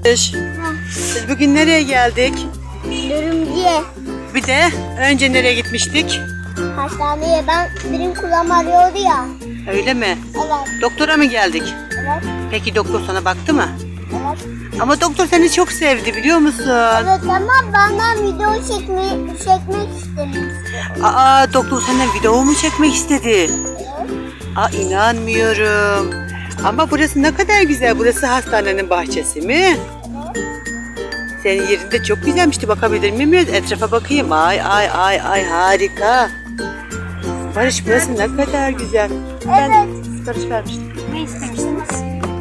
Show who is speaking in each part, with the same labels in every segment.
Speaker 1: Biz bugün nereye geldik?
Speaker 2: Dürümcüye.
Speaker 1: Bir de önce nereye gitmiştik?
Speaker 2: Hastaneye, benim kulağım arıyordu ya.
Speaker 1: Öyle mi?
Speaker 2: Evet.
Speaker 1: Doktora mı geldik?
Speaker 2: Evet.
Speaker 1: Peki doktor sana baktı mı?
Speaker 2: Evet.
Speaker 1: Ama doktor seni çok sevdi biliyor musun?
Speaker 2: Evet ama bana video çekmek istemişti.
Speaker 1: Aa, doktor senden video mu çekmek istedi?
Speaker 2: Evet.
Speaker 1: Aa, inanmıyorum. Ama burası ne kadar güzel. Burası hastanenin bahçesi mi?
Speaker 2: Evet.
Speaker 1: Senin yerinde çok güzelmişti. Bakabilir miyim? Etrafa bakayım. Ay ay ay ay, harika. Barış, burası ne kadar güzel. Ben sipariş vermiştim.
Speaker 3: Ne istemiştiniz?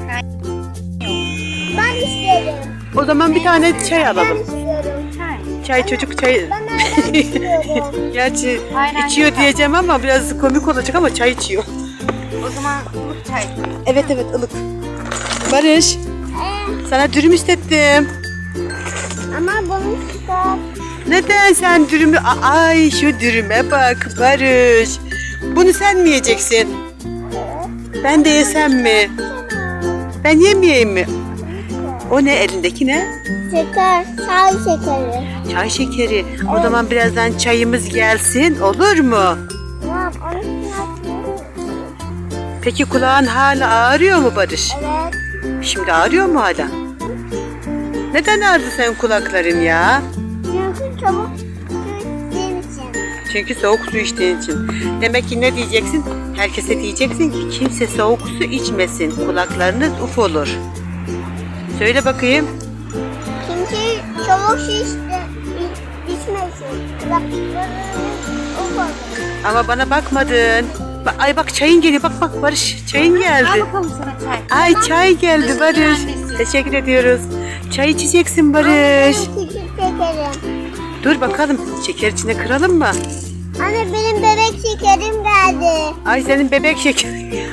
Speaker 2: Ben isterim.
Speaker 1: O zaman bir tane çay
Speaker 2: Ben
Speaker 1: alalım.
Speaker 2: istiyorum.
Speaker 1: Çay, çocuk çay.
Speaker 2: Ben istiyorum.
Speaker 1: Gerçi
Speaker 3: Aynen,
Speaker 1: içiyor
Speaker 3: güzel.
Speaker 1: diyeceğim ama biraz komik olacak ama çay içiyor.
Speaker 3: O zaman ılık çay.
Speaker 1: Evet evet, ılık. Barış, sana dürüm istettim.
Speaker 2: Ama bunu çıkar.
Speaker 1: Neden sen dürümü... Ay, şu dürüme bak Barış. Bunu sen mi yiyeceksin? Ben de yesem mi? Ben yemeyeyim mi? O ne, elindeki ne?
Speaker 2: Şeker, çay şekeri.
Speaker 1: Çay şekeri. O zaman birazdan çayımız gelsin, olur mu?
Speaker 2: Tamam, onu çıkartıyorum.
Speaker 1: Peki kulağın hala ağrıyor mu Barış?
Speaker 2: Evet.
Speaker 1: Şimdi ağrıyor mu hala? Neden ağrıdı senin kulakların ya?
Speaker 2: Çünkü çabuk su içtiğim için.
Speaker 1: Çünkü soğuk su içtiğin için. Demek ki ne diyeceksin? Herkese diyeceksin ki kimse soğuk su içmesin. Kulaklarınız uf olur. Söyle bakayım.
Speaker 2: Çünkü çabuk su içmesin. Kulaklarınız ufak.
Speaker 1: Ama bana bakmadın. Ay bak, çayın geliyor. Bak bak Barış, çayın
Speaker 3: Al
Speaker 1: geldi.
Speaker 3: bakalım sana çay.
Speaker 1: Ay, çay geldi Barış. Teşekkür ediyoruz. Çay içeceksin Barış.
Speaker 2: Küçük şekerim.
Speaker 1: Dur bakalım, şeker içine kıralım mı?
Speaker 2: Anne, benim bebek şekerim geldi.
Speaker 1: Ay, senin bebek şekeri.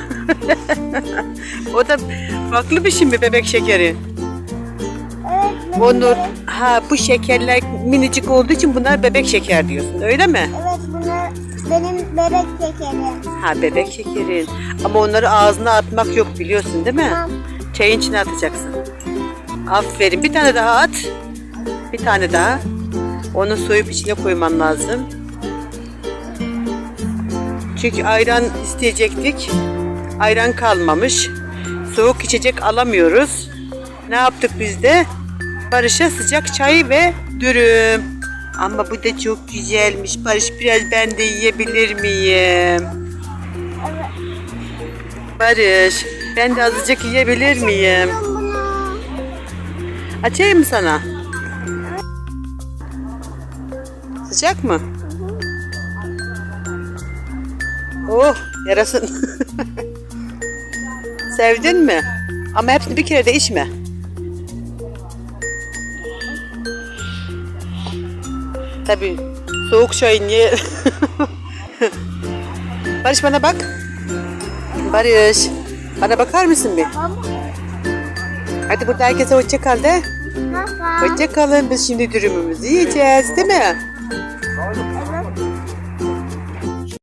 Speaker 1: O da farklı bir şey mi, bebek şekeri?
Speaker 2: Evet. benim
Speaker 1: Onur,
Speaker 2: bebek-
Speaker 1: bu şekerler minicik olduğu için bunlar bebek şeker diyorsun, öyle mi?
Speaker 2: Evet, bunlar benim bebek şekerim.
Speaker 1: Ha, bebek şekerin. Ama onları ağzına atmak yok, biliyorsun değil mi?
Speaker 2: Tamam.
Speaker 1: Çayın içine atacaksın. Aferin, bir tane daha at. Bir tane daha. Onu soyup içine koyman lazım. Çünkü ayran isteyecektik. Ayran kalmamış. Soğuk içecek alamıyoruz. Ne yaptık biz de? Barış'a sıcak çay ve dürüm. Ama bu da çok güzelmiş. Barış, biraz ben de yiyebilir miyim?
Speaker 2: Evet.
Speaker 1: Barış, ben de azıcık yiyebilir miyim?
Speaker 2: Bunu.
Speaker 1: Açayım mı sana? Sıcak mı? Oh, yarasın. Sevdin mi? Ama hepsini bir kere de içme. Tabii soğuk çayın ye. Barış, bana bak. Barış, bana bakar mısın bir? Hadi burada herkese hoşça kal de.
Speaker 2: Nasıl?
Speaker 1: Hoşça kalın. Biz şimdi dürümümüzü yiyeceğiz, değil mi?